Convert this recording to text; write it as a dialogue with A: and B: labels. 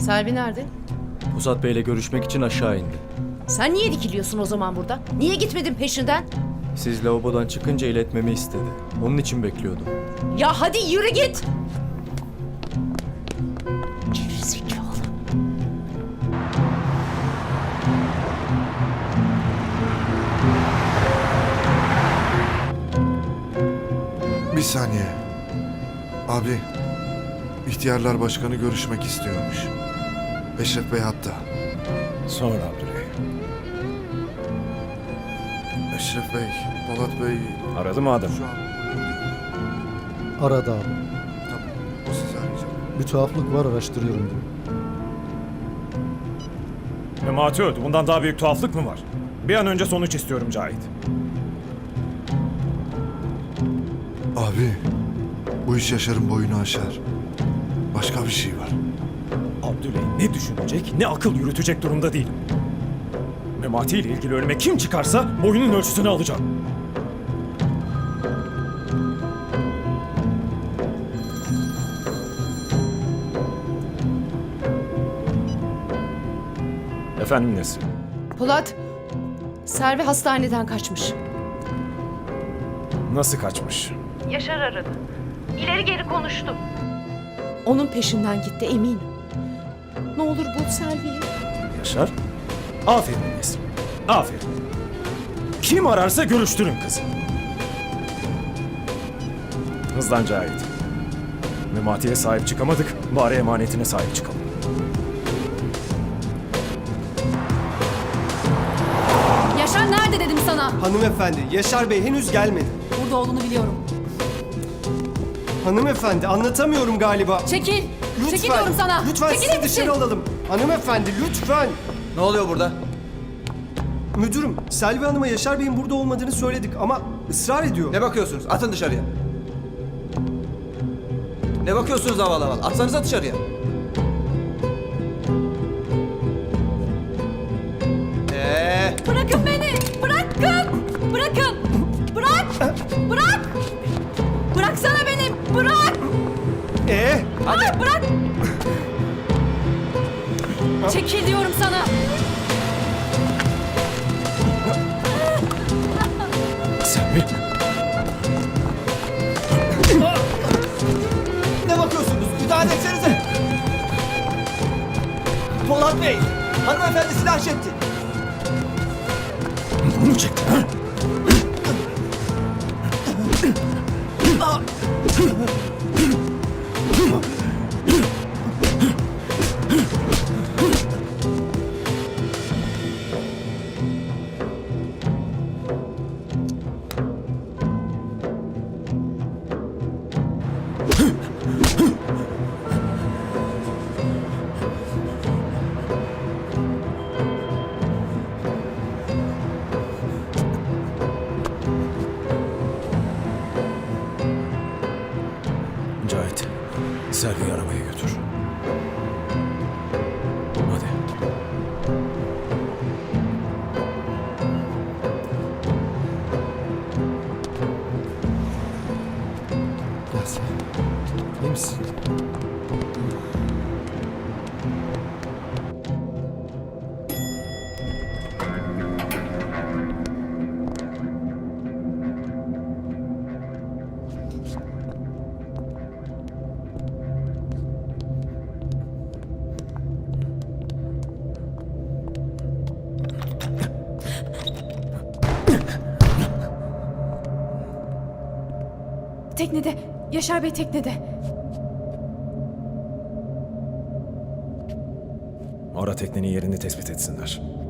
A: Selvi nerede?
B: Pusat Bey'le görüşmek için aşağı indi.
A: Sen niye dikiliyorsun o zaman burada? Niye gitmedin peşinden?
B: Siz lavabodan çıkınca iletmemi istedi. Onun için bekliyordum.
A: Ya hadi yürü git! Gerizekalı.
C: Bir saniye. Abi, İhtiyarlar Başkanı görüşmek istiyormuş. Eşref Bey hatta.
D: Sonra Abdüley.
C: Eşref Bey, Polat Bey...
D: Aradı mı adam?
C: Şu an...
E: Aradı abi.
C: Tamam, o sizi arayacak.
E: Bir tuhaflık var, araştırıyorum diyor.
D: Memati öldü. Bundan daha büyük tuhaflık mı var? Bir an önce sonuç istiyorum Cahit.
C: Abi, bu iş Yaşar'ın boyunu aşar. Başka bir şey var.
D: Abdüley ne düşünecek ne akıl yürütecek durumda değilim. Memati ile ilgili önüme kim çıkarsa boyunun ölçüsünü alacağım. Efendim Nesrin?
A: Polat, Selvi hastaneden kaçmış.
D: Nasıl kaçmış?
A: Yaşar aradı. İleri geri konuştu. Onun peşinden gitti eminim. Ne olur bul Selvi'yi.
D: Yaşar? Aferin Nesrin. Aferin. Kim ararsa görüştürün kızı. Hızlan Cahit. Memati'ye sahip çıkamadık. Bari emanetine sahip çıkalım.
F: Yaşar nerede dedim sana?
G: Hanımefendi, Yaşar Bey henüz gelmedi.
F: Burada olduğunu biliyorum.
G: Hanımefendi, anlatamıyorum galiba.
F: Çekil.
G: Lütfen,
F: Çekil diyorum sana.
G: lütfen
F: Çekil
G: sizi
F: yetişin.
G: dışarı alalım. Hanımefendi, lütfen.
H: Ne oluyor burada?
G: Müdürüm, Selvi Hanım'a Yaşar Bey'in burada olmadığını söyledik ama ısrar ediyor.
H: Ne bakıyorsunuz? Atın dışarıya. Ne bakıyorsunuz havalı havalı? Atsanıza dışarıya.
F: Bırakın beni. Bırakın. Bırakın. Bırak. Bırak. Bıraksana beni. Bırak. Ay, bırak. Çekil diyorum sana.
D: Sen mi?
H: Ne bakıyorsunuz? Müdahale etsenize. Polat Bey, hanımefendi silah çekti.
D: Bunu mu çektin ha? Cahit, Selvi'yi arabaya götür. Hadi.
G: Gel sen. İyi misin?
F: Teknede. Yaşar Bey teknede.
D: Ara teknenin yerini tespit etsinler.